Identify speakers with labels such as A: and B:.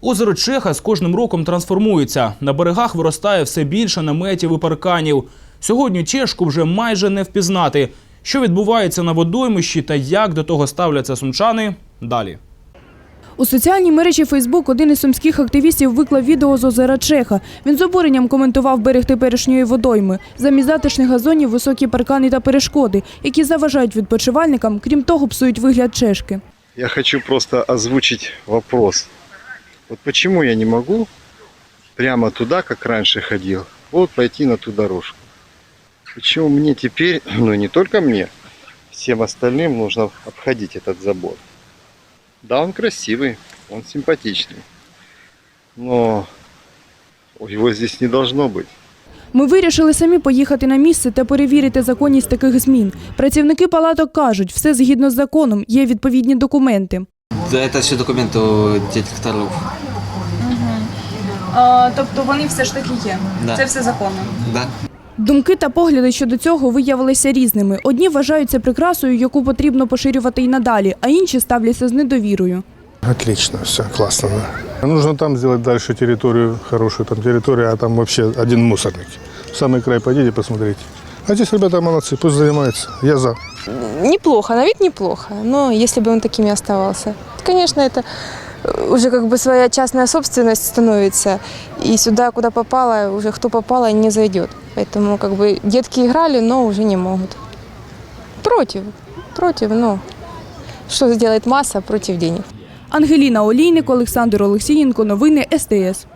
A: Озеро Чеха з кожним роком трансформується. На берегах виростає все більше наметів і парканів. Сьогодні Чешку вже майже не впізнати. Що відбувається на водоймищі та як до того ставляться сумчани – далі.
B: У соціальній мережі Фейсбук один із сумських активістів виклав відео з озера Чеха. Він з обуренням коментував берег теперішньої водойми. Замість затишних газонів – високі паркани та перешкоди, які заважають відпочивальникам, крім того, псують вигляд Чешки.
C: Я хочу просто озвучить вопрос. Вот почему я не могу прямо туда, как раньше ходил, вот пойти на ту дорожку? Почему мне теперь, ну не только мне, всем остальным нужно обходить этот забор? Да, он красивый, он симпатичный, но его здесь не должно быть.
B: Ми вирішили самі поїхати на місце та перевірити законність таких змін. Працівники палаток кажуть, все згідно з законом, є відповідні документи.
D: Да, це всі документи у директорів.
B: Тобто вони все ж таки є?
D: Да.
B: Це все законно?
D: Да.
B: Думки та погляди щодо цього виявилися різними. Одні вважають це прикрасою, яку потрібно поширювати і надалі, а інші ставляться з недовірою.
E: Отлично, все, классно, да. Нужно там сделать дальше территорию, хорошую там территорию, а там вообще один мусорник. В самый край пойдите, посмотрите. А здесь ребята молодцы, пусть занимаются, я за.
F: Неплохо, на вид неплохо, но если бы он такими оставался. Конечно, это уже как бы своя частная собственность становится, и сюда, куда попало, уже кто попало, не зайдет. Поэтому как бы детки играли, но уже не могут. Против, но что сделает масса против денег.
B: Ангеліна Олійник, Олександр Олексієнко. Новини СТС.